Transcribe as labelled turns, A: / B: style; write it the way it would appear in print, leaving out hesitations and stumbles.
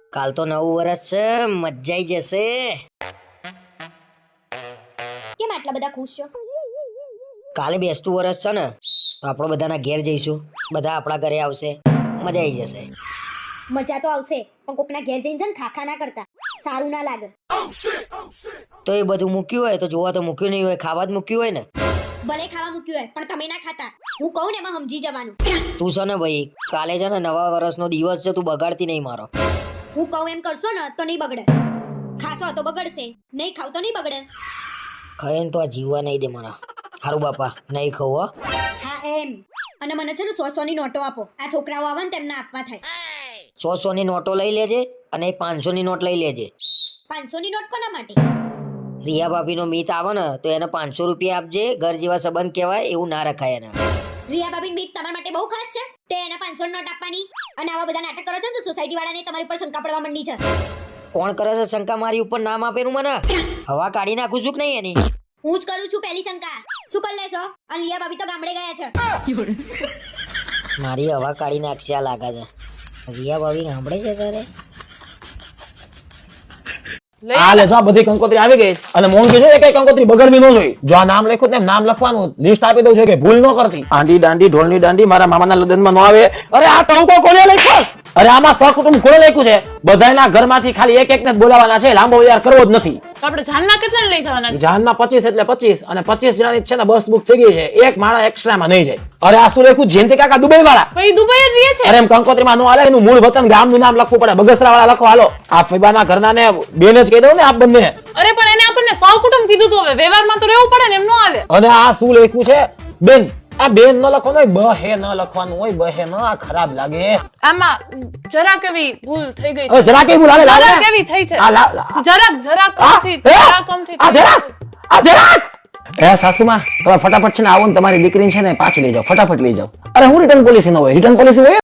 A: કાલ તો નવું વર્ષ છે, મજા આવી જશે.
B: કેમ આટલા બધા ખુશ છો?
A: કાલે બેસતું વર્ષ છે ને, તો આપણે બધાના ઘેર જઈશું. બધા આપણા ઘરે આવશે, મજા આવી જશે.
B: મજા તો આવશે, પણ કોકના ઘેર જઈને છે ને ખાખા ના કરતા, સારું ના લાગે.
A: તો એ બધું મૂક્યું હોય તો જોવા તો મૂક્યું નહીં હોય, ખાવા જ મૂક્યું હોય ને.
B: ભલે ખાવા મૂક્યું હોય, પણ તમે ના ખાતા. હું કહું ને એમાં સમજી જવાનું.
A: તું છે ને ભાઈ, કાલે છે ને નવા વર્ષનો દિવસ છે, તું બગાડતી નહીં મારો.
B: હું કહું એમ કરશો ને તો નહીં બગડે. ખાશો તો બગડશે, નહીં ખાવ તો નહીં બગડે.
A: ખાઈને તો આ જીવવા નહીં દે મારા. હારું બાપા, નહીં ખાવ હો.
B: હા એમ. અને મને છે ને 100 ની નોટો આપો. આ છોકરાઓ આવે ને તેમને આપવા થાય.
A: 100 ની નોટો લઈ લેજે અને એક 500 ની નોટ લઈ લેજે.
B: 500 ની નોટ કોના માટે?
A: રિયા ભાભીનો મીત આવે ને તો એને 500 રૂપિયા આપજે. ઘર જેવા સંબંધ કહેવાય, એવું ના રખાય એને.
B: રિયા ભાભી બીક તમારા માટે બહુ ખાસ છે. તે એને 500 ની નોટ આપવાની અને આવા બધા નાટક કરો છો ને સોસાયટી વાળાને તમારી ઉપર શંકા પડવા માંડી છે.
A: કોણ કરે છે શંકા મારી ઉપર? નામ આપેલું મને. હવા કાઢી નાખું છું કે નહીં એની?
B: હું જ કરું છું પહેલી શંકા. શું કરી લેશો? અને રિયા ભાભી તો ગામડે ગયા છે.
A: મારી હવા કાઢી નાખશે આ લાગે છે. રિયા ભાભી ગામડે છે તારે?
C: આ લે જો બધી કંકોત્રી આવી ગઈ અને મોહન કે છે કે કંકોત્રી બગડવી ન જોઈએ. જો આ નામ લખ્યું તેમ નામ લખવાનું લિસ્ટ આપી દઉં છે કે ભૂલ ન કરતી. આંડી દાંડી ઢોલની દાંડી મારા મામાના લગ્નમાં ન આવે. અરે આ ટંકો કોને લખ્યો? અરે આમાં સહકુટુંબ કોને લખ્યું છે? બધાયના ઘરમાંથી ખાલી એક એકને જ બોલાવવાના છે, લાંબો વિચાર કરવો જ નથી.
D: તો આપણે જાનના કેટલા લઈ જવાના?
C: જાનમાં 25 એટલે 25 અને 25 જણાની છે ને બસ બુક થઈ ગઈ છે. એક માણસ એક્સ્ટ્રામાં નહીં જાય. અરે આ શું લખ્યું? જયંતિ કાકા દુબઈ વાળા.
D: ભાઈ દુબઈ જ રહે છે.
C: અરે એમ કંકોત્રીમાં નો હાલે, એનું મૂળ વતન ગામનું નામ લખવું પડે. બગસરા વાળા લખો હાલો. આ ફઈબાના ઘરના ને બેન જ કહી દઉં ને આપ બંને.
D: અરે પણ એને આપણને સહકુટુંબ કીધું તો હવે વ્યવહારમાં તો રહેવું પડે ને, એમ નો હાલે.
C: અને આ શું લખ્યું છે? બેન. આ બેન ન લખવાનું હોય, બહે ન લખવાનું હોય. બહે ન, આ ખરાબ લાગે.
D: આમાં જરાક એવી ભૂલ થઈ ગઈ
C: હવે
D: છે.
C: જરાક એવું લાગે લાગે.
D: જરાક એવી થઈ છે.
C: આ લા
D: જરાક
C: આ
D: કમથી
C: આ જરાક એ સાસુમાં તમે ફટાફટ છે ને આવો ને તમારી દીકરીને છે ને પાછી લઈ જાઓ. ફટાફટ લઈ જાઓ. અરે હું રિટર્ન પોલિસી ન હોય. રિટર્ન પોલિસી હોય